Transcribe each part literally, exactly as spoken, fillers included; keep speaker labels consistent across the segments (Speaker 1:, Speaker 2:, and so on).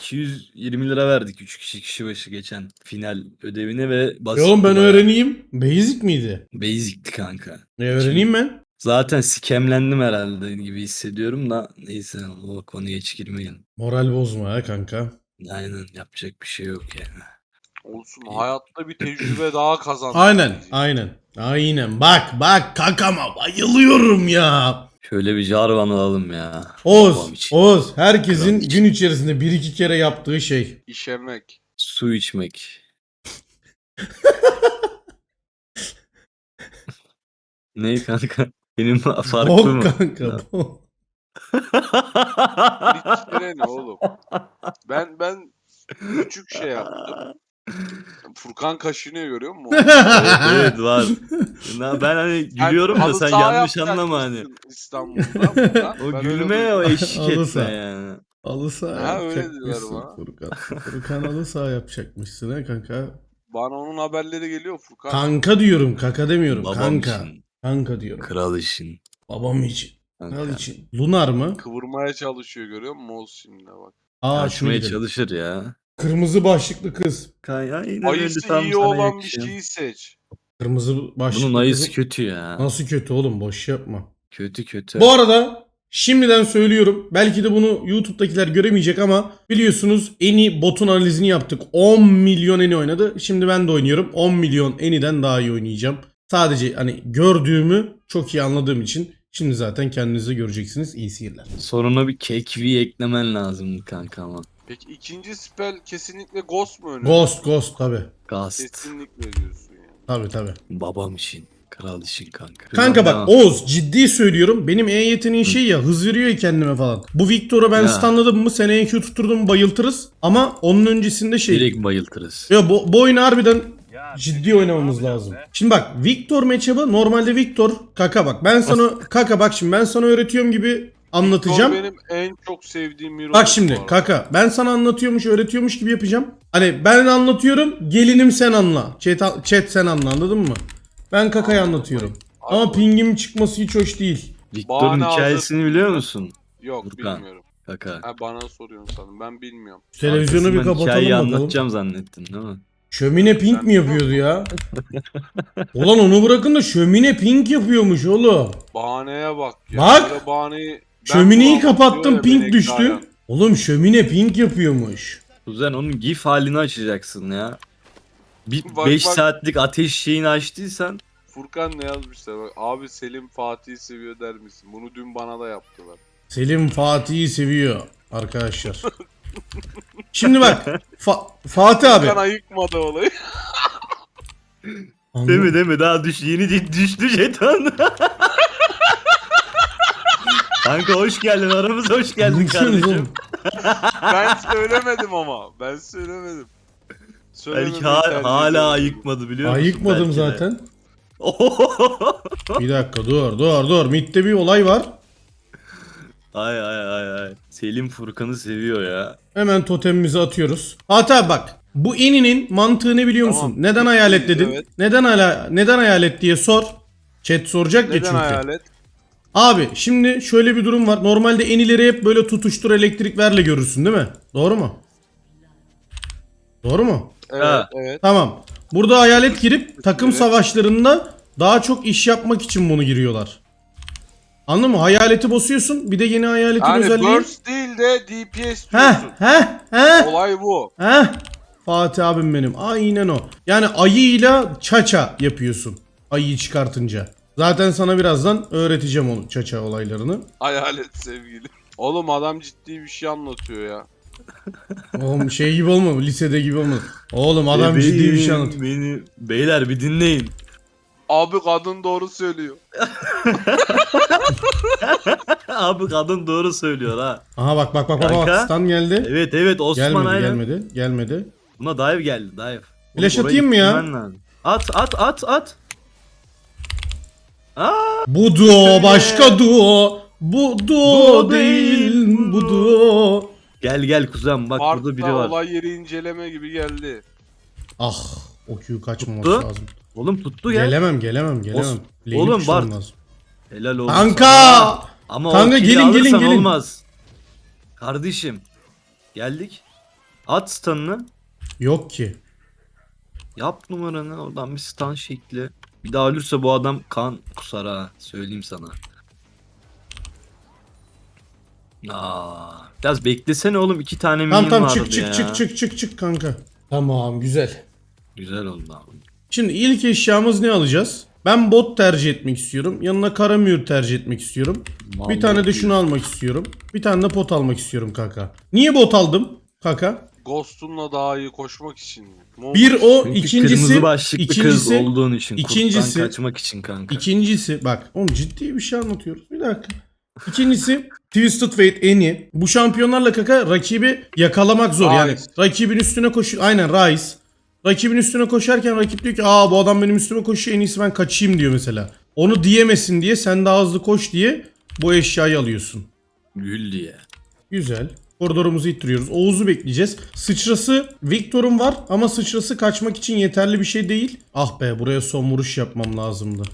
Speaker 1: iki yüz yirmi lira verdik üç kişi kişi başı geçen final ödevine ve
Speaker 2: E
Speaker 1: basit.
Speaker 2: oğlum ben
Speaker 1: bayağı.
Speaker 2: öğreneyim. Basic miydi?
Speaker 1: Basic'ti kanka.
Speaker 2: E öğreneyim ben.
Speaker 1: Zaten skemlendim herhalde gibi hissediyorum da neyse o konuya hiç girmeyelim.
Speaker 2: Moral bozma ha kanka.
Speaker 1: Aynen yapacak bir şey yok yani.
Speaker 3: Olsun, hayatta bir tecrübe daha kazandım.
Speaker 2: Aynen
Speaker 3: diyeceğim.
Speaker 2: aynen. Aynen bak bak kankama bayılıyorum ya.
Speaker 1: Şöyle bir Jarvan alalım ya.
Speaker 2: Oğuz,
Speaker 1: Babam için.
Speaker 2: Oğuz herkesin
Speaker 1: Kral için.
Speaker 2: gün içerisinde bir iki kere yaptığı şey.
Speaker 3: İşemek.
Speaker 1: Su içmek. Ne kanka? Benim farklı
Speaker 2: Bok
Speaker 1: mı?
Speaker 2: kanka bok.
Speaker 3: İçere ne oğlum? Ben ben küçük şey yaptım. Furkan kaşınıyor, görüyor musun?
Speaker 1: Evet evet var. Na- Ben hani
Speaker 3: Sen
Speaker 1: gülüyorum da
Speaker 3: halı
Speaker 1: sen
Speaker 3: saha
Speaker 1: yanlış anlama hani.
Speaker 3: yapacakmışsın İstanbul'da. Furkan.
Speaker 1: O
Speaker 3: Ben öyle
Speaker 1: gülme
Speaker 3: duydum.
Speaker 1: o eşlik
Speaker 2: Halı
Speaker 1: etme
Speaker 2: saha.
Speaker 1: yani.
Speaker 2: Halı saha
Speaker 3: Ha, öyle diyorlar
Speaker 2: yapacakmışsın
Speaker 3: bana.
Speaker 2: Furkan. Furkan halı saha yapacakmışsın ha kanka.
Speaker 3: Bana onun haberleri geliyor Furkan.
Speaker 2: Kanka diyorum kaka demiyorum
Speaker 1: Babam
Speaker 2: kanka.
Speaker 1: için.
Speaker 2: Kanka diyorum.
Speaker 1: Kral işin.
Speaker 2: Babam için.
Speaker 1: Kanka.
Speaker 2: Kral için. Lunar mı?
Speaker 3: Kıvırmaya çalışıyor, görüyor musun Oğuz şimdi bak.
Speaker 2: Aa şunu
Speaker 1: Kaçmaya
Speaker 2: gidelim.
Speaker 1: çalışır ya.
Speaker 2: Kırmızı başlıklı kız.
Speaker 1: Kay aynen öyle
Speaker 3: Ayısı
Speaker 1: tam
Speaker 3: iyi
Speaker 1: sana
Speaker 3: olan bir
Speaker 1: yakışıyor.
Speaker 3: şeyi seç.
Speaker 2: Kırmızı başlıklı
Speaker 1: Bunun ayısı
Speaker 2: kızın-
Speaker 1: kötü ya.
Speaker 2: Nasıl kötü oğlum boş yapma.
Speaker 1: Kötü kötü.
Speaker 2: Bu arada şimdiden söylüyorum. Belki de bunu YouTube'dakiler göremeyecek ama biliyorsunuz Eni botun analizini yaptık. on milyon Eni oynadı. Şimdi ben de oynuyorum. on milyon Eni'den daha iyi oynayacağım. Sadece hani gördüğümü çok iyi anladığım için şimdi zaten kendinize göreceksiniz. İyi seyirler.
Speaker 1: Soruna bir kekvi eklemen lazımdı kanka ama.
Speaker 3: Peki ikinci spell kesinlikle Ghost mu önemli?
Speaker 2: Ghost Ghost tabi.
Speaker 1: Gast.
Speaker 3: Kesinlikle diyorsun yani.
Speaker 2: Tabi tabi.
Speaker 1: Babam için. Kral işin kanka.
Speaker 2: Kanka bak
Speaker 1: Devam.
Speaker 2: Oğuz ciddi söylüyorum. Benim E yeteneği şey ya hız veriyor ya kendime falan. Bu Victor'u ben
Speaker 1: Ya.
Speaker 2: stunladım mı seneye E Q tutturdum mu bayıltırız. Ama onun öncesinde şey.
Speaker 1: Direkt bayıltırız.
Speaker 2: Ya bu, bu oyunu harbiden ciddi oynamamız lazım. Şimdi bak Victor matchup'ı normalde Victor kaka bak. Ben sana kaka bak şimdi ben sana öğretiyorum gibi anlatacağım.
Speaker 3: Victor benim en çok sevdiğim hero.
Speaker 2: Bak şimdi kaka ben sana anlatıyormuş öğretiyormuş gibi yapacağım. Hani ben anlatıyorum gelinim sen anla. Chat, chat sen anla anladın mı? Ben kakayı anlatıyorum. Ama pingim çıkması hiç hoş değil.
Speaker 1: Victor'un
Speaker 3: Bahane
Speaker 1: hikayesini
Speaker 3: hazır.
Speaker 1: biliyor musun?
Speaker 3: Yok,
Speaker 1: Furkan.
Speaker 3: bilmiyorum.
Speaker 1: Kaka.
Speaker 3: Ha, bana soruyorsun sanırım. Ben bilmiyorum.
Speaker 2: Şu televizyonu bir
Speaker 1: Arkasından
Speaker 2: kapatalım
Speaker 1: hikayeyi
Speaker 2: bakalım.
Speaker 1: anlatacağım zannettin değil mi?
Speaker 2: Şömine pink
Speaker 3: Sen
Speaker 2: mi yapıyordu ya? Ulan onu bırakın da şömine pink yapıyormuş oğlum.
Speaker 3: Bahaneye bak ya.
Speaker 2: Bak!
Speaker 3: Böyle bahaneyi... Ben
Speaker 2: Şömineyi
Speaker 3: bulamam
Speaker 2: kapattım
Speaker 3: diyor ya
Speaker 2: pink
Speaker 3: Benek
Speaker 2: düştü.
Speaker 3: Dayan.
Speaker 2: Oğlum şömine pink yapıyormuş.
Speaker 1: Kuzen onun gif halini açacaksın ya. Bir
Speaker 3: Bak,
Speaker 1: beş
Speaker 3: bak.
Speaker 1: saatlik ateş şeyini açtıysan
Speaker 3: Furkan ne yazmışlar bak. Abi Selim Fatih'i seviyor der misin? Bunu dün bana da yaptılar.
Speaker 2: Selim Fatih'i seviyor arkadaşlar. Şimdi bak Fa- Fatih abi.
Speaker 3: Furkan ayıkmadı olayı.
Speaker 2: Anla-
Speaker 1: değil mi değil mi daha düş yeni di- düştü jeton. Kanka hoş geldin aramıza hoş geldin
Speaker 2: Ne diyorsunuz
Speaker 1: kardeşim.
Speaker 2: oğlum?
Speaker 3: Ben söylemedim ama. Ben söylemedim.
Speaker 1: Belki
Speaker 3: Söylememeyi
Speaker 1: ha-
Speaker 3: tercih
Speaker 1: hala
Speaker 3: ediyorum.
Speaker 1: ayıkmadı biliyor musun?
Speaker 2: Ayıkmadım
Speaker 1: Belki de.
Speaker 2: zaten. Bir dakika dur dur dur. Mid'de bir olay var.
Speaker 1: ay ay ay ay. Selim Furkan'ı seviyor ya.
Speaker 2: Hemen totemimizi atıyoruz. Hatta bak bu Eni'nin mantığı ne biliyor musun?
Speaker 3: Tamam.
Speaker 2: Neden hayalet dedin?
Speaker 3: Evet.
Speaker 2: Neden hala neden hayalet diye sor. Chat soracak ya
Speaker 3: Neden
Speaker 2: çünkü.
Speaker 3: hayalet?
Speaker 2: Abi şimdi şöyle bir durum var. Normalde Eni'leri hep böyle tutuştur elektrik verle görürsün değil mi? Doğru mu? Doğru mu?
Speaker 3: Evet,
Speaker 1: Ha.
Speaker 3: evet.
Speaker 2: Tamam. Burada hayalet girip takım
Speaker 3: Evet.
Speaker 2: savaşlarında daha çok iş yapmak için bunu giriyorlar. Anladın mı? Hayaleti basıyorsun. Bir de yeni hayaletin
Speaker 3: Yani
Speaker 2: özelliği.
Speaker 3: burst değil de D P S
Speaker 2: Heh
Speaker 3: diyorsun.
Speaker 2: heh heh.
Speaker 3: Olay bu.
Speaker 2: Heh. Fatih abim benim. Aynen o. Yani ayıyla çaça yapıyorsun. Ayıyı çıkartınca. Zaten sana birazdan öğreteceğim onu çaça olaylarını.
Speaker 3: Hayalet sevgili. Oğlum adam ciddi bir şey anlatıyor ya.
Speaker 2: Oğlum şey gibi olma. Lisede gibi olma. Oğlum adam
Speaker 1: Bebeğim,
Speaker 2: ciddi bir şey anlatıyor.
Speaker 1: Beni... Beyler bir dinleyin.
Speaker 3: Abi kadın doğru söylüyor.
Speaker 1: Abi kadın doğru söylüyor ha.
Speaker 2: Aha bak bak bak bak.
Speaker 1: Kanka.
Speaker 2: bak. Stan geldi.
Speaker 1: Evet evet Osman
Speaker 2: Gelmedi
Speaker 1: aynen.
Speaker 2: gelmedi. Gelmedi.
Speaker 1: Buna dive geldi dive.
Speaker 2: Flash
Speaker 1: Oğlum, orayı
Speaker 2: atayım mı ya?
Speaker 1: ittirmen lazım. At at at at. Aa,
Speaker 2: Bu duo başka duo. Bu duo
Speaker 1: Duo
Speaker 2: değil.
Speaker 1: değil,
Speaker 2: Bu duo.
Speaker 1: gel gel kuzen bak burada biri
Speaker 3: Parkta
Speaker 1: var.
Speaker 3: olay yeri inceleme gibi geldi.
Speaker 2: Ah. O Q kaçmaması
Speaker 1: Tuttu.
Speaker 2: lazım.
Speaker 1: Oğlum tuttu ya.
Speaker 2: Gelemem gelemem gelemem.
Speaker 1: Os-
Speaker 2: Lane'i
Speaker 1: Oğlum,
Speaker 2: kuşlamam
Speaker 1: Bart.
Speaker 2: lazım.
Speaker 1: Helal olsun.
Speaker 2: Kanka!
Speaker 1: Ama
Speaker 2: Kanka,
Speaker 1: o kili
Speaker 2: gelin, gelin,
Speaker 1: alırsan
Speaker 2: gelin.
Speaker 1: olmaz. Kardeşim. Geldik. At stun'ını.
Speaker 2: Yok ki.
Speaker 1: Yap numaranı. Oradan bir stun şekli. Bir daha ölürse bu adam kan kusar ha. Söyleyeyim sana. Aa, biraz beklesene oğlum. iki tane
Speaker 2: Tamam
Speaker 1: minion
Speaker 2: tamam
Speaker 1: vardı
Speaker 2: çık çık
Speaker 1: ya.
Speaker 2: çık çık çık çık kanka. Tamam güzel.
Speaker 1: Güzel oldu abi.
Speaker 2: Şimdi ilk eşyamız ne alacağız? Ben bot tercih etmek istiyorum. Yanına karamür tercih etmek istiyorum. Bir tane de şunu almak istiyorum. Bir tane de pot almak istiyorum kanka. Niye bot aldım kanka?
Speaker 3: Ghost'unla daha iyi koşmak için. mi?
Speaker 2: Bir o,
Speaker 1: Çünkü
Speaker 2: ikincisi
Speaker 1: kırmızı başlıklı kız
Speaker 2: ikincisi
Speaker 1: olduğun için.
Speaker 2: ikincisi-
Speaker 1: Kurttan kaçmak için kanka.
Speaker 2: İkincisi bak oğlum ciddi bir şey anlatıyoruz. Bir dakika. İkincisi Twisted Fate Eni. Bu şampiyonlarla kaka rakibi yakalamak zor. Yani
Speaker 3: Ryze.
Speaker 2: rakibin üstüne koşuyor. Aynen Ryze. Rakibin üstüne koşarken rakip diyor ki aa bu adam benim üstüme koşuyor en iyisi ben kaçayım diyor mesela. Onu diyemesin diye sen daha hızlı koş diye bu eşyayı alıyorsun.
Speaker 1: Gül diye.
Speaker 2: Güzel. Koridorumuzu ittiriyoruz. Oğuz'u bekleyeceğiz. Sıçrası Victor'un var ama sıçrası kaçmak için yeterli bir şey değil. Ah be buraya son vuruş yapmam lazımdı.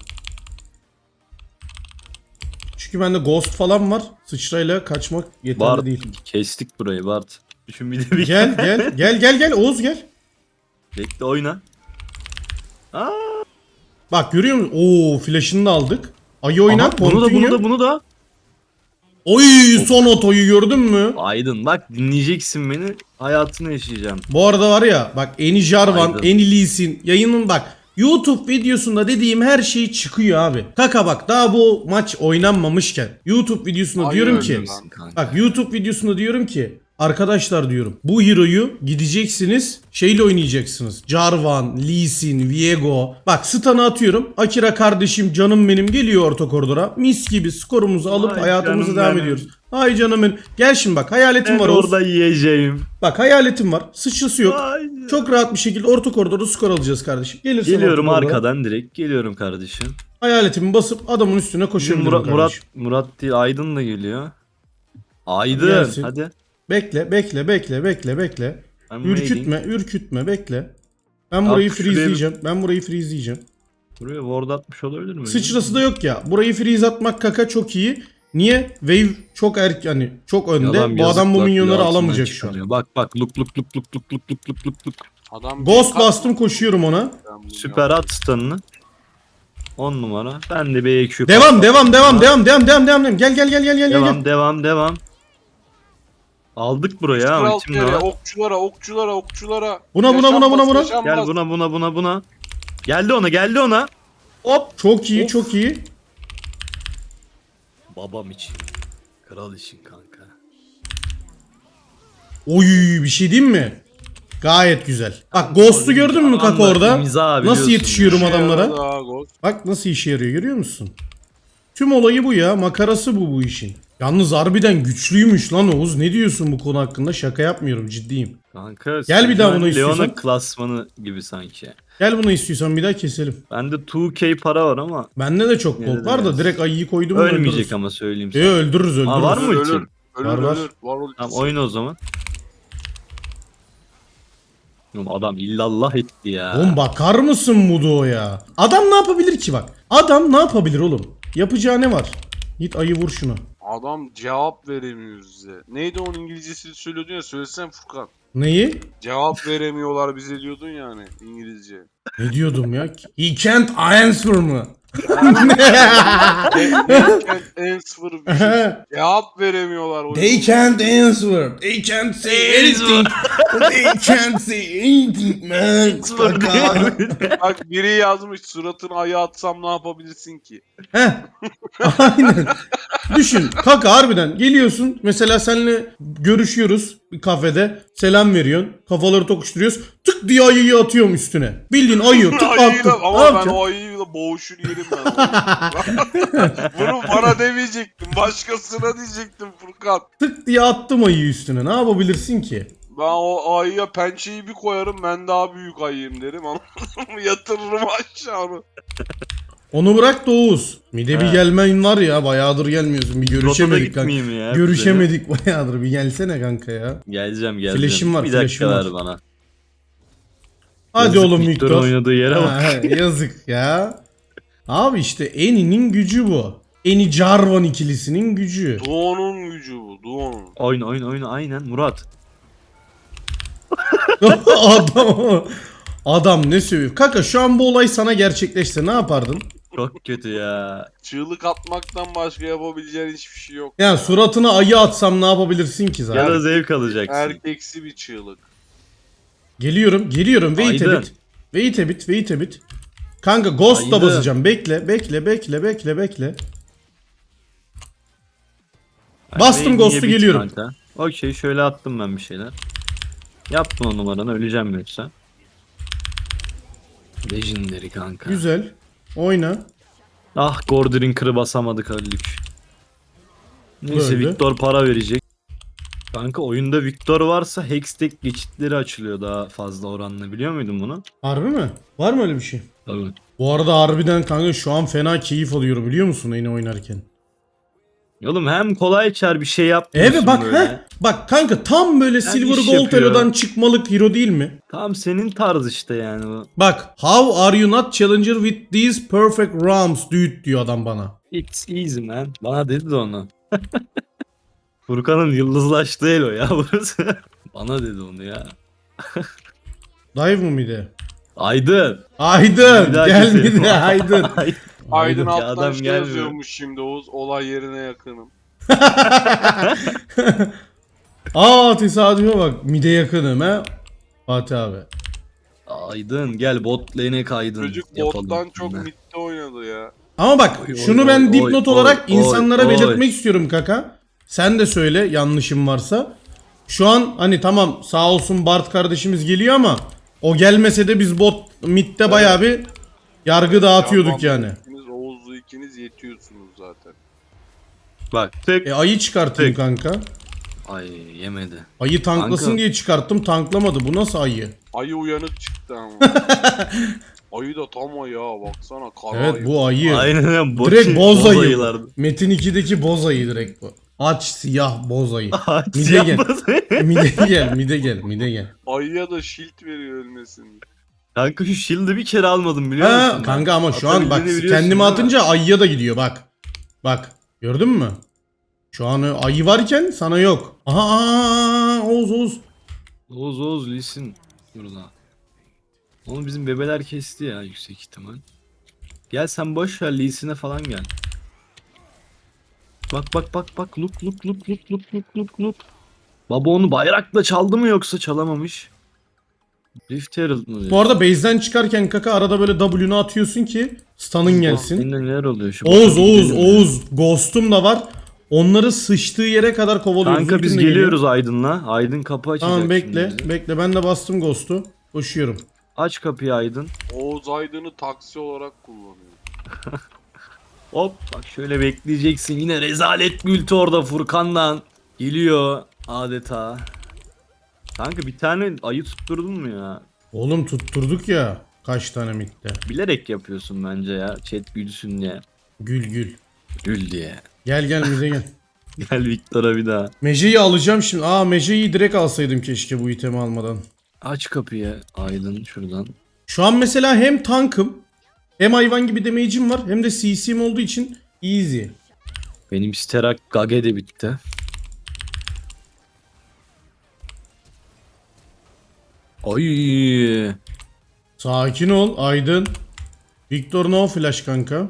Speaker 2: Çünkü bende Ghost falan var. Sıçrayla kaçmak yeterli
Speaker 1: Bart.
Speaker 2: değil.
Speaker 1: Kestik burayı Bart. Düşün bir de bir.
Speaker 2: Gel gel gel gel gel Oğuz gel.
Speaker 1: Bekle oyna. Aa,
Speaker 2: Bak görüyor musun? Oo flash'ını da aldık. Ayı oyna.
Speaker 1: aha, bunu da
Speaker 2: continue.
Speaker 1: bunu da bunu da.
Speaker 2: Oy son otoyu gördün mü?
Speaker 1: Aydın bak dinleyeceksin beni. Hayatını yaşayacağım.
Speaker 2: Bu arada var ya bak Eni Jarvan,
Speaker 1: Aydın.
Speaker 2: Eni Lee Sin yayının bak YouTube videosunda dediğim her şey çıkıyor abi. Kaka bak daha bu maç oynanmamışken YouTube videosunda
Speaker 3: Aynen
Speaker 2: diyorum
Speaker 3: öyle
Speaker 2: ki
Speaker 3: lan.
Speaker 1: Kanka.
Speaker 2: bak YouTube videosunda diyorum ki arkadaşlar diyorum bu hero'yu gideceksiniz şeyle oynayacaksınız. Jarvan, Lee Sin, Viego. Bak stun'ı atıyorum. Akira kardeşim canım benim geliyor orta koridora. Mis gibi skorumuzu alıp
Speaker 1: Ay
Speaker 2: hayatımıza
Speaker 1: canım
Speaker 2: devam
Speaker 1: benim.
Speaker 2: ediyoruz. Ay canım benim. Gel şimdi bak hayaletim
Speaker 1: Ben
Speaker 2: var Oğuz.
Speaker 1: orada yiyeceğim.
Speaker 2: Bak hayaletim var. Sıçrası yok.
Speaker 1: Ay.
Speaker 2: Çok rahat bir şekilde orta koridorda skor alacağız kardeşim. Gelirsen
Speaker 1: Geliyorum
Speaker 2: orta koridora,
Speaker 1: arkadan direkt. Geliyorum kardeşim.
Speaker 2: hayaletimi basıp adamın üstüne
Speaker 1: Şimdi
Speaker 2: koşabilirim
Speaker 1: Murat, Murat,
Speaker 2: kardeşim.
Speaker 1: Murat değil Aydın da geliyor. Aydın
Speaker 2: Gelsin.
Speaker 1: hadi.
Speaker 2: Bekle bekle bekle bekle bekle.
Speaker 1: Ben waiting.
Speaker 2: Ürkütme ürkütme bekle. Ben burayı
Speaker 1: Abi şuraya bir-
Speaker 2: freezeleyeceğim. Ben burayı freezeleyeceğim.
Speaker 1: Buraya ward atmış olabilir mi?
Speaker 2: Sıçrası da yok ya. Burayı freeze atmak kaka çok iyi. Niye? Wave çok erken hani çok önde.
Speaker 1: Yalan,
Speaker 2: bu adam bu
Speaker 1: yazıklar,
Speaker 2: minyonları
Speaker 1: altından
Speaker 2: alamayacak şu an.
Speaker 1: çıkarıyor. Bak bak luk luk luk luk luk luk luk luk luk luk.
Speaker 3: Adam
Speaker 2: Ghost
Speaker 3: bir-
Speaker 2: bastım koşuyorum ona.
Speaker 3: Ben bunu
Speaker 1: Süper at stun'ını. on numara. Ben de bir E Q.
Speaker 2: Devam devam devam devam devam devam devam. devam. Gel gel gel gel gel
Speaker 1: Devam
Speaker 2: gel.
Speaker 1: devam devam. Aldık buraya ama
Speaker 3: Kral
Speaker 1: içimde
Speaker 3: nereye?
Speaker 1: var.
Speaker 3: Okçulara, okçulara, okçulara.
Speaker 2: Buna, buna, buna, buna, buna.
Speaker 3: Yaşanmaz,
Speaker 1: Gel
Speaker 3: yaşanmaz.
Speaker 1: buna buna buna buna. Geldi ona geldi ona. Hop.
Speaker 2: Çok iyi
Speaker 1: Of.
Speaker 2: çok iyi.
Speaker 1: Babam için. Kral için kanka.
Speaker 2: Oy bir şey diyeyim mi? Gayet güzel. Bak Ghost'u gördün mü kaka
Speaker 1: Adamlar
Speaker 2: orada?
Speaker 1: imza
Speaker 2: Nasıl
Speaker 1: biliyorsun
Speaker 2: yetişiyorum
Speaker 3: Şey
Speaker 2: adamlara?
Speaker 3: yaradı ha, Ghost.
Speaker 2: Bak nasıl işe yarıyor görüyor musun? Tüm olayı bu ya. Makarası bu bu işin. Yalnız harbiden güçlüymüş lan Oğuz. Ne diyorsun bu konu hakkında? Şaka yapmıyorum ciddiyim.
Speaker 1: Kanka.
Speaker 2: Gel bir daha
Speaker 1: Sejuani
Speaker 2: bunu istiyorsan.
Speaker 1: Leona klasmanı gibi sanki.
Speaker 2: Gel bunu istiyorsan bir daha keselim.
Speaker 1: Bende iki K para var ama
Speaker 2: Bende de çok
Speaker 1: Yine
Speaker 2: gold
Speaker 1: de
Speaker 2: var da
Speaker 1: biraz.
Speaker 2: direkt ayıyı koydum mu
Speaker 1: ölmeyecek
Speaker 2: öldürürüz.
Speaker 1: ama söyleyeyim
Speaker 2: E,
Speaker 1: sana.
Speaker 2: öldürürüz öldürürüz.
Speaker 1: Aa, var mı
Speaker 3: Ölür,
Speaker 1: ulti?
Speaker 3: ölür. Ölür,
Speaker 2: Var, var.
Speaker 3: ölür. Var ultisi.
Speaker 1: Tamam oyna o zaman. Oğlum adam illallah etti ya.
Speaker 2: Oğlum bakar mısın Mudo'ya? Adam ne yapabilir ki bak? Adam ne yapabilir oğlum? Yapacağı ne var? Git ayı vur şunu.
Speaker 3: Adam cevap veremiyor bize. Neydi onun İngilizcesini söylüyordun ya, söylesene Furkan.
Speaker 2: Neyi?
Speaker 3: Cevap veremiyorlar bize diyordun yani İngilizce.
Speaker 2: Ne diyordum ya? He can't answer mı?
Speaker 3: They can't answer bir şey. Cevap veremiyorlar. o
Speaker 2: They
Speaker 3: yüzden.
Speaker 2: can't answer. They can't say anything. They can't say anything man. Kaka.
Speaker 3: Bak biri yazmış, suratını aya atsam ne yapabilirsin ki?
Speaker 2: Heh. Aynen. Düşün. Kaka harbiden geliyorsun. Mesela seninle görüşüyoruz bir kafede. Selam veriyorsun. Kafaları tokuşturuyoruz. Tık diye ayıyı atıyorum üstüne. Bildiğin ayı tık attım.
Speaker 3: Ayıyla,
Speaker 2: Ne
Speaker 3: ama ben
Speaker 2: yapacaksın?
Speaker 3: o ayıyla boğuşur yerim ben. Bunu bana demeyecektim. Başkasına diyecektim Furkan.
Speaker 2: Tık diye attım ayıyı üstüne. Ne yapabilirsin ki?
Speaker 3: Ben o ayıya pençeyi bir koyarım, ben daha büyük ayıyım derim ama yatırırım aşağı.
Speaker 2: Onu bırak da Oğuz. Mide bir
Speaker 1: He.
Speaker 2: gelmen var ya. Bayağıdır gelmiyorsun. Bir
Speaker 1: Rotada
Speaker 2: görüşemedik kanka.
Speaker 1: gitmeyeyim ya.
Speaker 2: Görüşemedik bayağıdır. Bir gelsene kanka ya.
Speaker 1: Geleceğim geleceğim.
Speaker 2: Flash'im var,
Speaker 1: Bir dakika
Speaker 2: flash'im
Speaker 1: ver
Speaker 2: var.
Speaker 1: bana.
Speaker 2: Hadi
Speaker 1: Yazık
Speaker 2: oğlum
Speaker 1: Victor'un
Speaker 2: Victor.
Speaker 1: oynadığı yere bak.
Speaker 2: Ha, he, yazık ya. Abi işte Eni'nin gücü bu. Eni Jarvan ikilisinin gücü.
Speaker 3: Doğu'nun gücü bu, Doğu'nun.
Speaker 1: Oyna oyna oyna aynen Murat.
Speaker 2: adam adam ne sövüyor? Kanka şu an bu olay sana gerçekleşse ne yapardın?
Speaker 1: Çok kötü ya.
Speaker 3: Çığlık atmaktan başka yapabileceğin hiçbir şey yok.
Speaker 2: Yani suratına ayı atsam ne yapabilirsin ki
Speaker 1: Ya
Speaker 2: zaten?
Speaker 1: da zevk alacaksın.
Speaker 3: Erkeksi bir çığlık.
Speaker 2: Geliyorum, geliyorum. Wait a
Speaker 1: Aydın.
Speaker 2: bit. Wait a bit, wait a bit. Kanka Ghost da
Speaker 1: Aydın.
Speaker 2: basacağım. Bekle, bekle, bekle, bekle, bekle. Bastım Ghost'u,
Speaker 1: Bit
Speaker 2: geliyorum.
Speaker 1: kanka. Okey, şöyle attım ben bir şeyler. Yapma o numaranı, öleceğim yoksa. Legendary kanka.
Speaker 2: Güzel. Oyna.
Speaker 1: Ah, Gordrinker'ı basamadık öldük. Neyse,
Speaker 2: Böyle.
Speaker 1: Victor para verecek. Kanka oyunda Victor varsa Hextech geçitleri açılıyor daha fazla oranla, biliyor muydun bunu?
Speaker 2: Harbi mi? Var mı öyle bir şey?
Speaker 1: Tabii.
Speaker 2: Bu arada harbiden kanka şu an fena keyif alıyorum biliyor musun yine oynarken?
Speaker 1: Oğlum hem kolay çar bir şey yapmıyorsun
Speaker 2: Evet bak
Speaker 1: böyle.
Speaker 2: he. Bak kanka tam böyle Silver
Speaker 1: iş
Speaker 2: Gold
Speaker 1: yapıyor.
Speaker 2: Hero'dan çıkmalık hero değil mi?
Speaker 1: Tam senin tarz işte yani bu.
Speaker 2: Bak how are you not challenger with these perfect rounds dude diyor adam bana.
Speaker 1: It's easy man. Bana dedi de onu. Furkan'ın yıldızlaştığı el o ya burası. Bana dedi onu ya.
Speaker 2: Dive mı mide?
Speaker 1: Aydın.
Speaker 2: Aydın
Speaker 1: Bir daha
Speaker 2: gel
Speaker 1: keselim.
Speaker 2: mide Aydın.
Speaker 1: Ay-
Speaker 3: Aydın
Speaker 1: Ya
Speaker 3: alttan
Speaker 1: adam
Speaker 3: şey
Speaker 1: gelmiyor.
Speaker 3: yazıyormuş şimdi Oğuz. Olay yerine yakınım.
Speaker 2: Aa tesadüfe bak mide yakınım he. Fatih abi.
Speaker 1: Aydın gel bot lane'e kaydın.
Speaker 3: Çocuk
Speaker 1: Yapalım
Speaker 3: bottan çok
Speaker 1: seninle.
Speaker 3: midde oynadı ya.
Speaker 2: Ama bak
Speaker 1: Oy,
Speaker 2: şunu
Speaker 1: oy,
Speaker 2: ben
Speaker 1: oy,
Speaker 2: dipnot
Speaker 1: oy,
Speaker 2: olarak
Speaker 1: oy,
Speaker 2: insanlara
Speaker 1: oy.
Speaker 2: belirtmek istiyorum kaka. Sen de söyle yanlışım varsa. Şu an hani tamam sağ olsun Bart kardeşimiz geliyor ama o gelmese de biz bot midde bayağı bir yargı dağıtıyorduk
Speaker 3: Yaman
Speaker 2: yani.
Speaker 3: İkiniz Oğuz'u ikiniz yetiyorsunuz zaten.
Speaker 1: Bak tek.
Speaker 2: E ayı çıkartayım
Speaker 1: Tek.
Speaker 2: kanka.
Speaker 1: Ay yemedi.
Speaker 2: Ayı tanklasın
Speaker 1: Kanka.
Speaker 2: diye çıkarttım tanklamadı. Bu nasıl ayı?
Speaker 3: Ayı uyanık çıktı ama. Ayı da tam ayı ha baksana kara
Speaker 2: Evet
Speaker 3: ayı.
Speaker 2: bu ayı.
Speaker 1: Aynen öyle. Boş,
Speaker 2: Direkt boz ayı.
Speaker 1: ayılar.
Speaker 2: Metin ikideki boz ayı direkt bu. Aç siyah boz ayı.
Speaker 1: Ağaç
Speaker 2: Mide gel.
Speaker 1: yapmaz.
Speaker 2: Mide gel, mide gel, mide gel.
Speaker 3: Ayıya da shield veriyor ölmesin.
Speaker 1: Kanka şu shield'ı bir kere almadım biliyor
Speaker 2: Ha,
Speaker 1: musun?
Speaker 2: kanka ama şu an bak
Speaker 1: Atabildiğini biliyorsun
Speaker 2: kendime
Speaker 1: değil mi?
Speaker 2: atınca ayıya da gidiyor bak. Bak gördün mü? Şu an ayı varken sana yok. Aha, aha Oğuz Oğuz.
Speaker 1: Oğuz Oğuz lisin. Burada. Onu bizim bebeler kesti ya yüksek ihtimal. Gel sen boş ver Lee'sine falan gel. Bak bak bak bak look look look look look look look look. Baba onu bayrakla çaldı mı yoksa çalamamış? Rift Herald mı diyor?
Speaker 2: Bu arada base'den çıkarken kaka arada böyle W'nu atıyorsun ki stun'ın gelsin.
Speaker 1: Seninle neler oluyor şu?
Speaker 2: Oğuz
Speaker 1: Bakalım
Speaker 2: Oğuz
Speaker 1: gidelim ya.
Speaker 2: Oğuz Ghost'um da var. Onları sıçtığı yere kadar kovalıyoruz.
Speaker 1: Kanka biz
Speaker 2: Ultim de geliyor.
Speaker 1: geliyoruz Aydın'la. Aydın kapı açacak
Speaker 2: Tamam
Speaker 1: şimdi
Speaker 2: bekle.
Speaker 1: bize.
Speaker 2: Bekle ben de bastım Ghost'u. Koşuyorum.
Speaker 1: Aç kapıyı Aydın.
Speaker 3: Oğuz Aydın'ı taksi olarak kullanıyor.
Speaker 1: Hop bak şöyle bekleyeceksin. Yine rezalet bir ulti orada Furkan'dan. Geliyor adeta. Kanka bir tane ayı tutturdun mu ya?
Speaker 2: Oğlum tutturduk ya. Kaç tane mitte.
Speaker 1: Bilerek yapıyorsun bence ya. Chat gülsün diye.
Speaker 2: Gül gül.
Speaker 1: Gül diye.
Speaker 2: Gel gel bize gel.
Speaker 1: Gel Victor'a bir daha.
Speaker 2: Meje'yi alacağım şimdi. Aa Meje'yi direkt alsaydım keşke bu itemi almadan.
Speaker 1: Aç kapıyı Aydın şuradan.
Speaker 2: Şu an mesela hem tankım hem hayvan gibi damage'im var hem de C C'm olduğu için easy.
Speaker 1: Benim Sterak Gage de bitti. Ay.
Speaker 2: Sakin ol Aydın. Victor no flash kanka.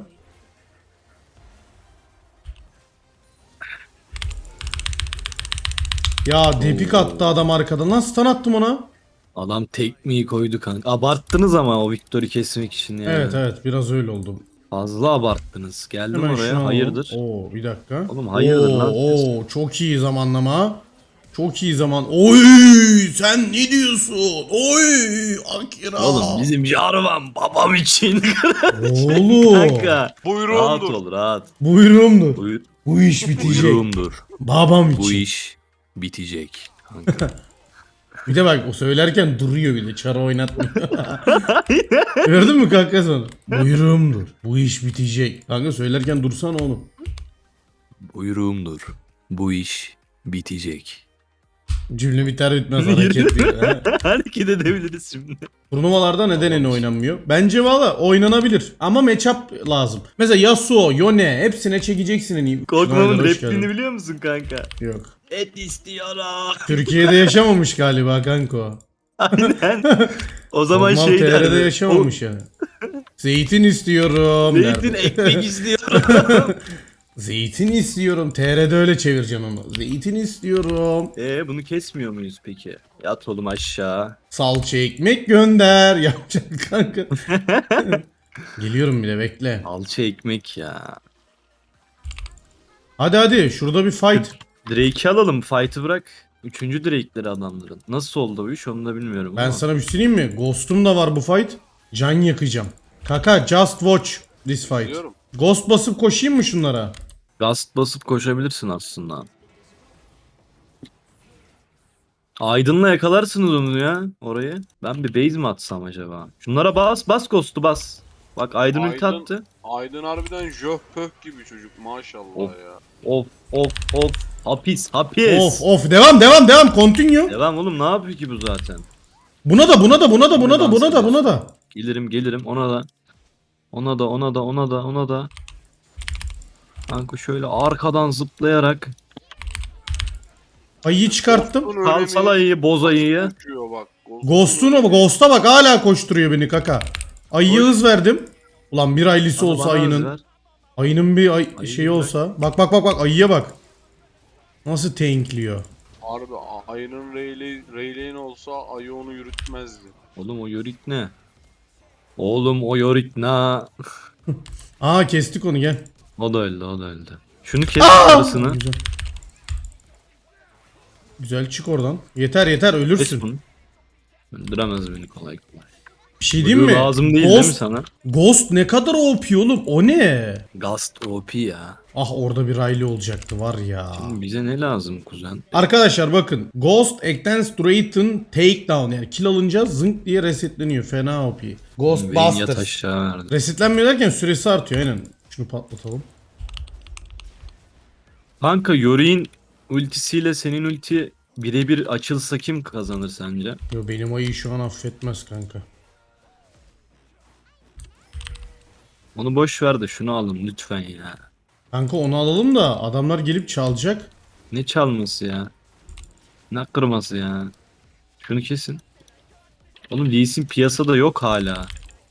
Speaker 2: Ya depik attı adam arkadan. Nasıl stun attım ona?
Speaker 1: Adam tekmeyi koydu kanka. Abarttınız ama o Victor'u kesmek için yani.
Speaker 2: Evet evet biraz öyle oldu.
Speaker 1: Fazla abarttınız. Geldim
Speaker 2: Hemen şunu
Speaker 1: oraya.
Speaker 2: alalım.
Speaker 1: Hayırdır?
Speaker 2: Oo bir dakika.
Speaker 1: Oğlum hayırdır
Speaker 2: oo,
Speaker 1: lan?
Speaker 2: Oo çok iyi zamanlama. Çok iyi zaman. Oy sen ne diyorsun? Oy Akira.
Speaker 1: Oğlum bizim Jarvan babam için.
Speaker 2: Oğlum.
Speaker 1: Kanka. Rahat
Speaker 3: Buyurundur.
Speaker 1: ol rahat.
Speaker 2: Buyurumdur.
Speaker 1: Buyur,
Speaker 2: Bu iş bitecek.
Speaker 1: buyruğumdur.
Speaker 2: Babam için.
Speaker 1: Bu iş bitecek. Kanka.
Speaker 2: Bir de bak o söylerken duruyor bile. Çara oynatmıyor. Gördün mü kanka sonra? Buyurumdur. Bu iş bitecek. Kanka söylerken dursana oğlum.
Speaker 1: Buyruğumdur. Bu iş bitecek.
Speaker 2: Cümle biter bitmez hareket bir. ha.
Speaker 1: Hareket edebiliriz şimdi.
Speaker 2: Turnuvalarda neden en oynanmıyor? Bence valla oynanabilir. Ama matchup lazım. Mesela Yasuo, Yone hepsine çekeceksin en iyi.
Speaker 1: Korkmamın
Speaker 2: Schneider, hoş
Speaker 1: repliğini
Speaker 2: geldin.
Speaker 1: biliyor musun kanka?
Speaker 2: Yok.
Speaker 1: Et istiyorum.
Speaker 2: Türkiye'de yaşamamış galiba kanka o.
Speaker 1: Aynen. O zaman
Speaker 2: Normal
Speaker 1: şey
Speaker 2: T R'de
Speaker 1: derdi.
Speaker 2: yaşamamış yani. Zeytin istiyorum
Speaker 1: O, zeytin
Speaker 2: derdi.
Speaker 1: ekmek istiyorum.
Speaker 2: Zeytin istiyorum. T R'de öyle çevireceğim onu. Zeytin istiyorum.
Speaker 1: Eee bunu kesmiyor muyuz peki? Yat oğlum aşağı.
Speaker 2: Salça ekmek gönder. Yapacak kanka. Geliyorum bile bekle.
Speaker 1: Alça ekmek ya.
Speaker 2: Hadi hadi şurada bir fight.
Speaker 1: Drake'i alalım. Fight'ı bırak. Üçüncü Drake'leri adamların. Nasıl oldu bu iş onu da bilmiyorum
Speaker 2: Ben
Speaker 1: ama.
Speaker 2: sana bir şey söyleyeyim mi? Ghost'um da var bu fight. Can yakacağım. Kaka just watch this fight.
Speaker 3: Biliyorum.
Speaker 2: Ghost basıp koşayım mı şunlara?
Speaker 1: Gast basıp koşabilirsin aslında. Aydın'la yakalarsınız onu ya orayı. Ben bir base mi atsam acaba? Şunlara bas bas Ghost'u bas. Bak Aydın ulti
Speaker 3: Aydın-
Speaker 1: attı.
Speaker 3: Aydın harbiden jöh pöh gibi çocuk maşallah
Speaker 1: Of.
Speaker 3: ya.
Speaker 1: Of of of. Hapis hapis.
Speaker 2: Of of devam devam devam continue.
Speaker 1: Devam oğlum ne yapıyor ki bu zaten?
Speaker 2: Buna da buna da buna da buna da buna da buna da.
Speaker 1: Gelirim gelirim ona da. Ona da ona da ona da ona da. Kanka şöyle arkadan zıplayarak.
Speaker 2: Ayıyı çıkarttım.
Speaker 3: Ghost'un
Speaker 1: Sal
Speaker 3: önemi-
Speaker 1: sal ayıyı boz ayıyı.
Speaker 3: Uçuyor bak.
Speaker 2: Ghost'un o Ghost'a bak hala koşturuyor beni kaka. Ayıya hız verdim. Ulan bir aylisi
Speaker 1: Bana
Speaker 2: olsa
Speaker 1: bana
Speaker 2: ayının.
Speaker 1: ver.
Speaker 2: Ayının bir ay
Speaker 1: Ayıyı
Speaker 2: şeyi
Speaker 1: bırak.
Speaker 2: olsa. Bak bak bak bak ayıya bak. Nasıl tankliyor.
Speaker 3: Harbi a- ayının Rayleigh Rayleigh'in olsa ayı onu yürütmezdi.
Speaker 1: Oğlum o yorik ne? Oğlum o yorik ne?
Speaker 2: Aa kestik onu gel.
Speaker 1: O da öldü o da öldü. Şunu kes arasını.
Speaker 2: Güzel. Güzel çık oradan. Yeter yeter
Speaker 1: Kes
Speaker 2: ölürsün.
Speaker 1: bunu. Öldüremez beni kolay kolay.
Speaker 2: Bir şey diyeyim mi?
Speaker 1: Blue lazım değil değil mi
Speaker 2: Ghost,
Speaker 1: sana?
Speaker 2: Ghost ne kadar O P oğlum o ne?
Speaker 1: Gast O P ya.
Speaker 2: Ah orada bir Riley olacaktı var ya.
Speaker 1: Şimdi bize ne lazım kuzen?
Speaker 2: Arkadaşlar bakın Ghost Extends Duration Takedown yani kill alınca zınk diye resetleniyor fena O P.
Speaker 1: Vayne yat
Speaker 2: Ghostbusters.
Speaker 1: aşağı verdi.
Speaker 2: Resetlenmiyor derken süresi artıyor aynen. Şunu patlatalım.
Speaker 1: Kanka Yorick'in ultisiyle senin ulti birebir açılsa kim kazanır sence?
Speaker 2: Yo benim ayı şu an affetmez kanka.
Speaker 1: Onu boş ver de şunu alın lütfen ya.
Speaker 2: Kanka onu alalım da adamlar gelip çalacak.
Speaker 1: Ne çalması ya? Ne kırması ya? Şunu kesin. Oğlum Lee Sin piyasada yok hala.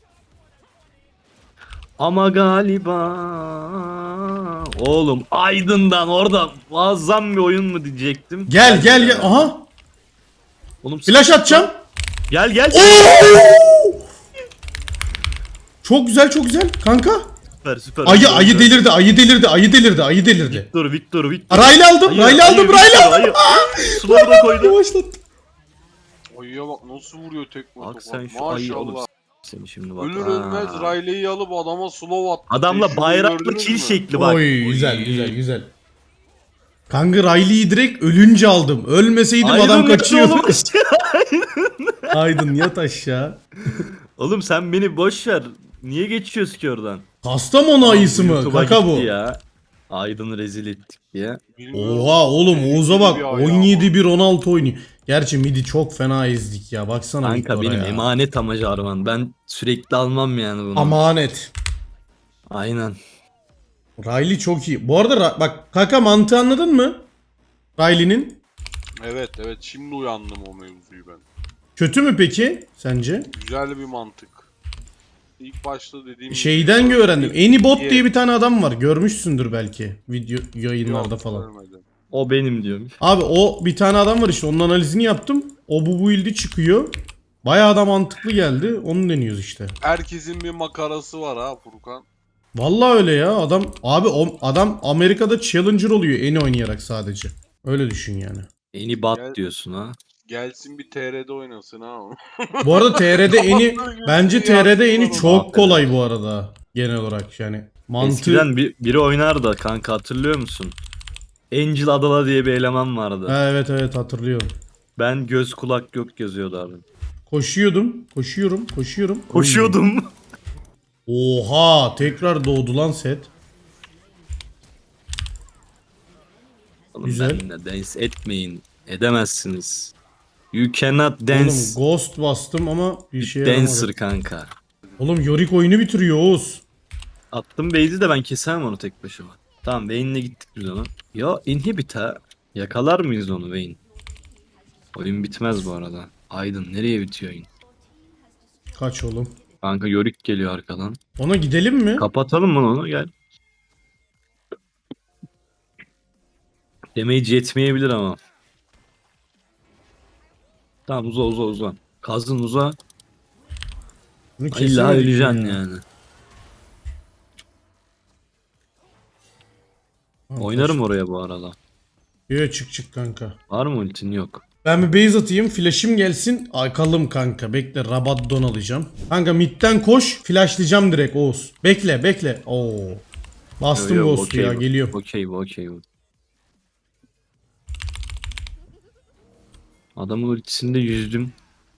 Speaker 1: Ama galiba oğlum Aydın'dan orada muazzam bir oyun mu diyecektim.
Speaker 2: Gel gel gel. Aha.
Speaker 1: Oğlum
Speaker 2: Flash atacağım.
Speaker 1: Gel gel.
Speaker 2: Çok güzel çok güzel kanka.
Speaker 1: Süper süper.
Speaker 2: Ayı ayı delirdi ayı delirdi ayı delirdi ayı delirdi.
Speaker 1: Victor Victor Victor.
Speaker 2: Riley aldım
Speaker 1: Ayı,
Speaker 2: Riley aldım
Speaker 1: ayı,
Speaker 2: Riley
Speaker 1: Victor,
Speaker 2: aldım.
Speaker 1: ayı. Suları da koydu.
Speaker 2: Yavaşlattım.
Speaker 3: Ayıya bak nasıl vuruyor tekme
Speaker 1: Bak
Speaker 3: tokat.
Speaker 1: sen şu ayı oğlum.
Speaker 3: Maşallah.
Speaker 1: Seni şimdi bak.
Speaker 3: Ölür
Speaker 1: Aa.
Speaker 3: ölmez Riley'i alıp adama slow attı.
Speaker 1: Adamla
Speaker 3: Tecrübeyi
Speaker 1: bayraklı
Speaker 3: gördünüz
Speaker 1: kill
Speaker 3: mü?
Speaker 1: şekli bak.
Speaker 2: Oy güzel güzel güzel. Kanka Riley'i direkt ölünce aldım. Ölmeseydim
Speaker 1: Aydın
Speaker 2: adam
Speaker 1: yattı
Speaker 2: kaçıyordu.
Speaker 1: oğlum.
Speaker 2: Aydın yat aşağı.
Speaker 1: Oğlum sen beni boş ver. Niye geçiyoruz ki oradan?
Speaker 2: Kastamonu ayısı mı?
Speaker 1: YouTube'a
Speaker 2: Kaka bu.
Speaker 1: gitti Ya. Aydın'ı rezil ettik diye.
Speaker 3: Bilmiyorum.
Speaker 2: Oha oğlum
Speaker 3: Senin
Speaker 2: Oğuz'a bak
Speaker 3: gibi bir ayağı
Speaker 2: on yedi bir on altı oynuyor. Gerçi midi çok fena ezdik ya. Baksana
Speaker 1: Kanka
Speaker 2: Victor'a
Speaker 1: benim
Speaker 2: ya.
Speaker 1: emanet ama Jarvan. Ben sürekli almam yani bunu.
Speaker 2: Amanet.
Speaker 1: Aynen.
Speaker 2: Riley çok iyi. Bu arada Ra- bak kaka mantığı anladın mı? Riley'nin.
Speaker 3: Evet evet şimdi uyandım o mevzuyu ben.
Speaker 2: Kötü mü peki sence?
Speaker 3: Güzel bir mantık. İlk başta dediğim
Speaker 2: Şeyden
Speaker 3: gibi-
Speaker 2: öğrendim. Anybot
Speaker 3: İyi.
Speaker 2: diye bir tane adam var. Görmüşsündür belki video yayınlarda
Speaker 3: Yok,
Speaker 2: falan.
Speaker 3: görmedim.
Speaker 1: O benim diyormuş.
Speaker 2: Abi o bir tane adam var işte onun analizini yaptım. O bu build'i çıkıyor. Bayağı da mantıklı geldi. Onu deniyoruz işte.
Speaker 3: Herkesin bir makarası var ha Furkan.
Speaker 2: Vallahi öyle ya. Adam abi o adam Amerika'da challenger oluyor eni oynayarak sadece. Öyle düşün yani.
Speaker 1: Eni bat
Speaker 3: Gel-
Speaker 1: diyorsun ha.
Speaker 3: Gelsin bir T R'de oynasın ha.
Speaker 2: Bu arada T R'de eni bence T R'de eni çok
Speaker 1: Aferin.
Speaker 2: kolay bu arada genel olarak yani. Mantığı
Speaker 1: Eskiden bir, biri oynar da kanka hatırlıyor musun? Angel Adala diye bir eleman vardı.
Speaker 2: Ha, evet evet hatırlıyorum.
Speaker 1: Ben göz kulak gök yazıyordu abi.
Speaker 2: Koşuyordum, koşuyorum, koşuyorum.
Speaker 1: Koşuyordum.
Speaker 2: Oha, tekrar doğdu lan set.
Speaker 1: Oğlum
Speaker 2: Güzel.
Speaker 1: benimle dance etmeyin. Edemezsiniz. You cannot dance.
Speaker 2: Oğlum Ghost bastım ama bir şey
Speaker 1: Dancer
Speaker 2: yaramadı.
Speaker 1: kanka.
Speaker 2: Oğlum Yorick oyunu bitiriyor Oğuz.
Speaker 1: Attım base'i de ben kesemem onu tek başıma. Tamam Vayne'le gittik biz ona. Ya inhibit'a yakalar mıyız onu Vayne? Oyun bitmez bu arada. Aydın nereye bitiyor oyun?
Speaker 2: Kaç oğlum.
Speaker 1: Kanka Yorick geliyor arkadan.
Speaker 2: Ona gidelim mi?
Speaker 1: Kapatalım mı onu? Gel. Damage yetmeyebilir ama. Tamam uza uza uza. Kazın uza.
Speaker 2: Bunu
Speaker 1: İlla
Speaker 2: kesemedik
Speaker 1: öleceksin
Speaker 2: ya.
Speaker 1: yani.
Speaker 2: Tamam,
Speaker 1: Oynarım oraya bu arada.
Speaker 2: Yo, çık çık kanka.
Speaker 1: Var mı ultin? Yok.
Speaker 2: Ben bir base atayım. Flash'im gelsin. Akalım kanka. Bekle. Rabadon alacağım. Kanka midden koş. Flashlayacağım direkt Oğuz. Bekle bekle. Oo. Bastım
Speaker 1: Yo, yo,
Speaker 2: Ghost'u
Speaker 1: okey
Speaker 2: ya.
Speaker 1: bu.
Speaker 2: Geliyorum.
Speaker 1: Okey bu okey bu. Adamın ultisinde yüzdüm.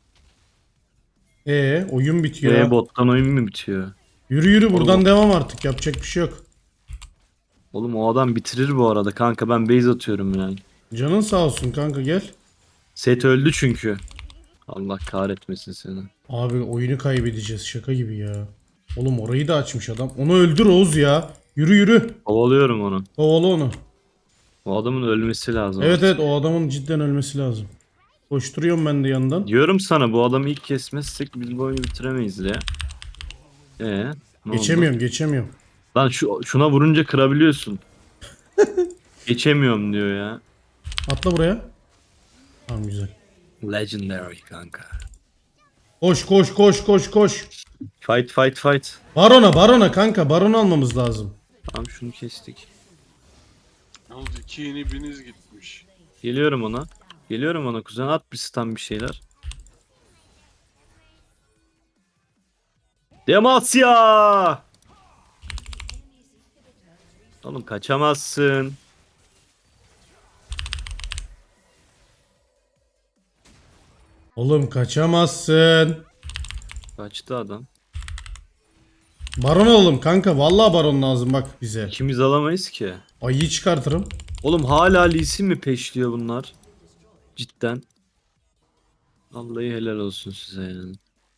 Speaker 2: Ee, oyun bitiyor.
Speaker 1: Ve
Speaker 2: ha.
Speaker 1: bottan oyun mu bitiyor?
Speaker 2: Yürü yürü buradan
Speaker 1: Oğlum.
Speaker 2: devam artık. Yapacak bir şey yok.
Speaker 1: Oğlum o adam bitirir bu arada kanka, ben base atıyorum yani.
Speaker 2: Canın sağ olsun kanka gel.
Speaker 1: Set öldü çünkü. Allah kahretmesin seni.
Speaker 2: Abi oyunu kaybedeceğiz. Şaka gibi ya. Oğlum orayı da açmış adam. Onu öldür Oğuz ya. Yürü yürü.
Speaker 1: Kovalıyorum onu.
Speaker 2: Kovala onu.
Speaker 1: O adamın ölmesi lazım.
Speaker 2: Evet evet o adamın cidden ölmesi lazım. Koşturuyorum ben de yandan.
Speaker 1: Diyorum sana, bu adamı ilk kesmezsek biz bu oyunu bitiremeyiz ya. Ee, ne oldu?
Speaker 2: Geçemiyorum geçemiyorum.
Speaker 1: Lan şu, şuna vurunca kırabiliyorsun. Geçemiyorum diyor ya.
Speaker 2: Atla buraya. Tamam güzel.
Speaker 1: Legendary kanka.
Speaker 2: Koş koş koş koş koş.
Speaker 1: Fight fight fight.
Speaker 2: Barona barona kanka baron almamız lazım.
Speaker 1: Tamam şunu kestik.
Speaker 3: Yalnız iki inibiniz gitmiş.
Speaker 1: Geliyorum ona. Geliyorum ona kuzen, at bir stun bir şeyler. Demasya! Oğlum kaçamazsın.
Speaker 2: Oğlum kaçamazsın.
Speaker 1: Kaçtı adam.
Speaker 2: Baron alalım kanka. Vallahi baron lazım bak bize.
Speaker 1: İkimiz alamayız ki.
Speaker 2: Ayıyı çıkartırım.
Speaker 1: Oğlum hala Lee Sin mi peşliyor bunlar? Cidden. Vallahi helal olsun size yani.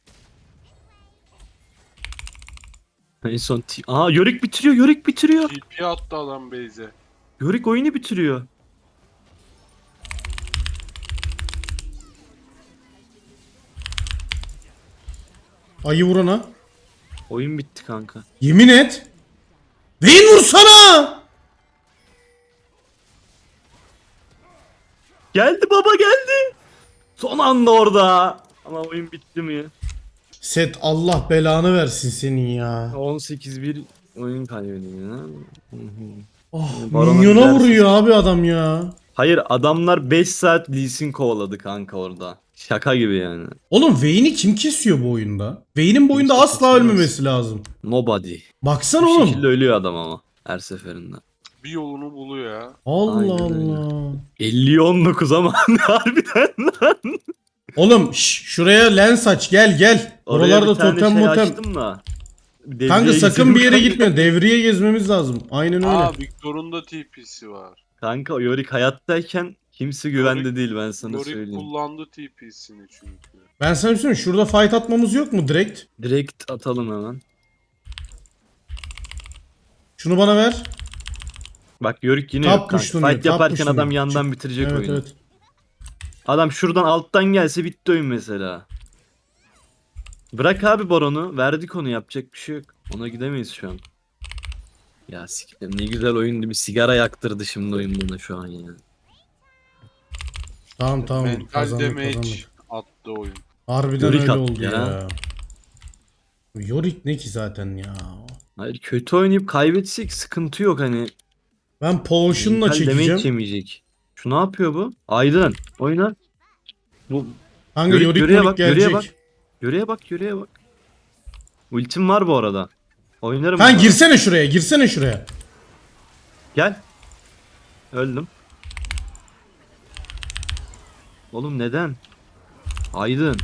Speaker 1: En son t- Aa Yorick bitiriyor, Yorick bitiriyor.
Speaker 3: T P attı adam base'e.
Speaker 1: Yorick oyunu bitiriyor.
Speaker 2: Ayı vurana.
Speaker 1: Oyun bitti kanka.
Speaker 2: Yemin et. Vayne vursana.
Speaker 1: Geldi baba geldi. Son anda orada. Ama oyun bitti mi?
Speaker 2: Set Allah belanı versin senin ya.
Speaker 1: on sekiz bir oyun kaybediyor ya. Hı hı.
Speaker 2: Oh,
Speaker 1: Barona
Speaker 2: minyona
Speaker 1: gidersin.
Speaker 2: vuruyor abi adam ya.
Speaker 1: Hayır adamlar beş saat Lee Sin kovaladı kanka orada. Şaka gibi yani.
Speaker 2: Oğlum Vayne'i kim kesiyor bu oyunda? Vayne'in bu oyunda
Speaker 1: Kimse
Speaker 2: asla
Speaker 1: kesemez.
Speaker 2: ölmemesi lazım.
Speaker 1: Nobody.
Speaker 2: Baksana
Speaker 1: Bu
Speaker 2: oğlum.
Speaker 1: şekilde ölüyor adam ama her seferinde.
Speaker 3: Bir yolunu buluyor ya.
Speaker 2: Allah
Speaker 1: Aynen öyle.
Speaker 2: Allah.
Speaker 1: elliye on dokuz ama harbiden lan.
Speaker 2: Oğlum şş, şuraya lens aç gel gel.
Speaker 1: Oraya
Speaker 2: Oralarda
Speaker 1: bir tane
Speaker 2: totem
Speaker 1: şey
Speaker 2: motem.
Speaker 1: açtım da. Devreye
Speaker 2: Kanka sakın
Speaker 1: gidiyorum
Speaker 2: bir yere
Speaker 1: kanka.
Speaker 2: gitme. Devriye gezmemiz lazım. Aynen öyle.
Speaker 3: Aa Victor'un da T P'si var.
Speaker 1: Kanka o Yorick hayattayken kimse güvende
Speaker 3: Yorick-
Speaker 1: değil, ben sana
Speaker 3: Yorick
Speaker 1: söyleyeyim.
Speaker 3: kullandı T P'sini çünkü.
Speaker 2: Ben sana bir şey söyleyeyim. Şurada fight atmamız yok mu direkt?
Speaker 1: Direkt atalım hemen.
Speaker 2: Şunu bana ver.
Speaker 1: Bak Yorick yine
Speaker 2: Tap
Speaker 1: yok kanka.
Speaker 2: pushlanıyor,
Speaker 1: Fight
Speaker 2: tap
Speaker 1: yaparken
Speaker 2: pushlanıyor.
Speaker 1: adam yandan bitirecek
Speaker 2: Evet
Speaker 1: oyunu.
Speaker 2: evet.
Speaker 1: Adam şuradan alttan gelse bitti oyun mesela. Bırak abi Baron'u. Verdik onu, yapacak bir şey yok. Ona gidemeyiz şu an. Ya siktir, ne güzel oyundu. Bir sigara yaktırdı şimdi oyun buna şu an ya.
Speaker 2: Tamam tamam.
Speaker 3: Mental
Speaker 2: Kazandık
Speaker 3: damage
Speaker 2: kazandık.
Speaker 3: attı oyun.
Speaker 2: Harbiden
Speaker 1: Yorick
Speaker 2: öyle
Speaker 1: attı
Speaker 2: oldu
Speaker 1: ya.
Speaker 2: ya. Yorick ne ki zaten ya.
Speaker 1: Hayır kötü oynayıp kaybetsek sıkıntı yok hani.
Speaker 2: Ben potion'la
Speaker 1: Mental damage
Speaker 2: çekeceğim.
Speaker 1: yemeyecek. Şu ne yapıyor bu? Aydın oyna. Bu
Speaker 2: Kanka
Speaker 1: Yorick,
Speaker 2: Yorick
Speaker 1: yürüye
Speaker 2: Yorick
Speaker 1: bak, yürüye
Speaker 2: gelecek.
Speaker 1: bak. yürüye bak yürüye bak. Ultim var bu arada. Oynarım.
Speaker 2: Kanka
Speaker 1: bunu.
Speaker 2: girsene şuraya girsene şuraya.
Speaker 1: Gel. Öldüm. Oğlum neden? Aydın.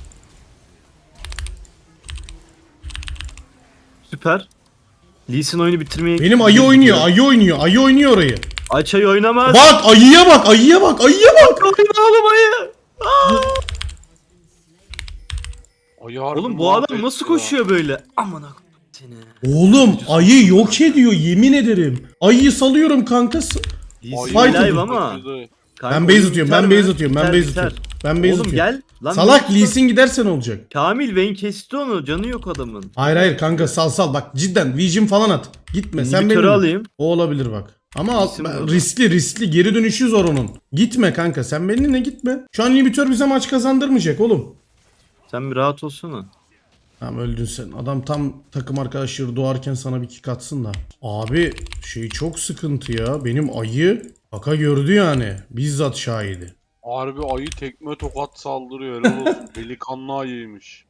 Speaker 1: Süper. Lee Sin oyunu bitirmeye...
Speaker 2: Benim ayı oynuyor ayı oynuyor ayı oynuyor orayı.
Speaker 1: Aç ayı oynamaz.
Speaker 2: Bak ayıya bak ayıya bak ayıya bak.
Speaker 1: Oyna oğlum ayı. Aa!
Speaker 3: Ay, harbi
Speaker 1: Oğlum bu adam
Speaker 3: mahvetti
Speaker 1: nasıl
Speaker 3: ya.
Speaker 1: koşuyor böyle? Aman akım seni.
Speaker 2: Oğlum ayı yok ediyor yemin ederim. Ayıyı salıyorum kankası.
Speaker 1: Lee Sin
Speaker 2: Fight
Speaker 1: live
Speaker 2: edin.
Speaker 1: ama.
Speaker 3: Kaçırdı.
Speaker 1: Kanka
Speaker 2: Ben base
Speaker 1: oyun
Speaker 2: atıyorum,
Speaker 1: biter
Speaker 2: ben
Speaker 1: mi?
Speaker 2: base atıyorum, ben
Speaker 1: Biter,
Speaker 2: base
Speaker 1: biter.
Speaker 2: atıyorum. Ben base
Speaker 1: Oğlum
Speaker 2: atıyorum.
Speaker 1: gel. Lan
Speaker 2: Salak
Speaker 1: Vayne-
Speaker 2: Lee Sin giderse ne olacak?
Speaker 1: Kamil Vayne kesti onu. Canı yok adamın.
Speaker 2: Hayır hayır kanka sal sal bak cidden Vision falan at. Gitme sen
Speaker 1: İnhibitörü
Speaker 2: benim.
Speaker 1: alayım.
Speaker 2: O olabilir bak. Ama al-
Speaker 1: İsim
Speaker 2: ben-
Speaker 1: bu.
Speaker 2: riskli riskli geri dönüşü zor onun. Gitme kanka sen benimle gitme. Şu an inhibitör bize maç kazandırmayacak oğlum.
Speaker 1: Sen bir rahat olsana.
Speaker 2: Tamam öldün sen. Adam tam takım arkadaşları doğarken sana bir kick atsın da. Abi şey çok sıkıntı ya. Benim ayı Kaka gördü yani. Bizzat şahidi.
Speaker 3: Harbi ayı tekme tokat saldırıyor. Helal olsun. Delikanlı ayıymış.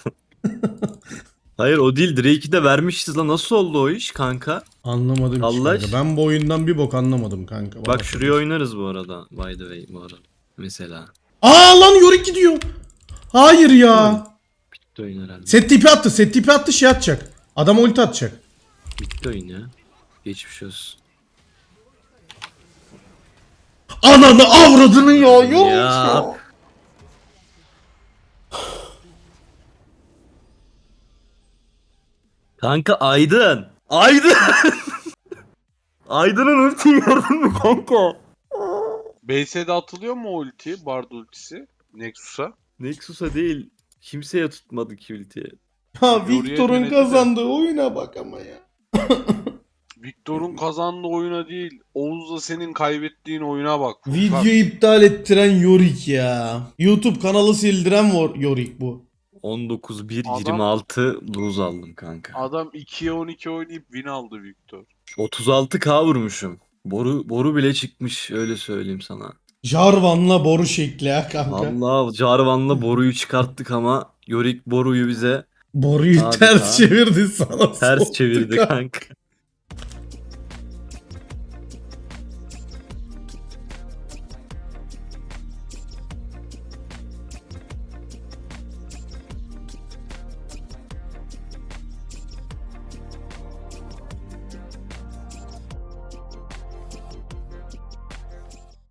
Speaker 1: Hayır o değil. Drake'i de vermişiz lan. Nasıl oldu o iş kanka?
Speaker 2: Anlamadım ki
Speaker 1: Allah
Speaker 2: kanka. Ben bu oyundan bir bok anlamadım kanka. Bana
Speaker 1: Bak
Speaker 2: söyle.
Speaker 1: şuraya oynarız bu arada. By the way bu arada. Mesela.
Speaker 2: Aa lan Yorick gidiyor. Hayır ya.
Speaker 1: Bitti oyun herhalde.
Speaker 2: Set tipi attı. Set tipi attı şey atacak. Adam ulti atacak.
Speaker 1: Bitti oyun ya. Geçmiş olsun.
Speaker 2: Ananı avradını ya. Yorick
Speaker 1: Ya.
Speaker 2: ya.
Speaker 1: Kanka Aydın. Aydın. Aydın'ın ultiyi gördün mü kanka?
Speaker 3: B S'de atılıyor mu o ulti? Bard ultisi. Nexus'a.
Speaker 1: Nexus'a değil. Kimseye tutmadı ki ultiyi.
Speaker 2: Ya
Speaker 3: Yorick'e
Speaker 2: Victor'un
Speaker 3: denedi de.
Speaker 2: kazandığı oyuna bak ama ya.
Speaker 3: Victor'un kazandığı oyuna değil. Oğuz'la senin kaybettiğin oyuna bak. Furkan.
Speaker 2: Video iptal ettiren Yorick ya. YouTube kanalı sildiren var Yorick bu.
Speaker 1: on dokuz bir
Speaker 3: Adam-
Speaker 1: yirmi altı lose aldım kanka.
Speaker 3: Adam ikiye on iki oynayıp win aldı Victor.
Speaker 1: otuz altı K vurmuşum. Boru boru bile çıkmış öyle söyleyeyim sana.
Speaker 2: Jarvan'la boru şekli ha kanka.
Speaker 1: Allah Jarvan'la boruyu çıkarttık ama Yorick boruyu bize
Speaker 2: Boruyu
Speaker 1: Abi
Speaker 2: ters
Speaker 1: ya.
Speaker 2: çevirdi sana.
Speaker 1: ters
Speaker 2: soktu
Speaker 1: çevirdi
Speaker 2: kanka.
Speaker 1: kanka.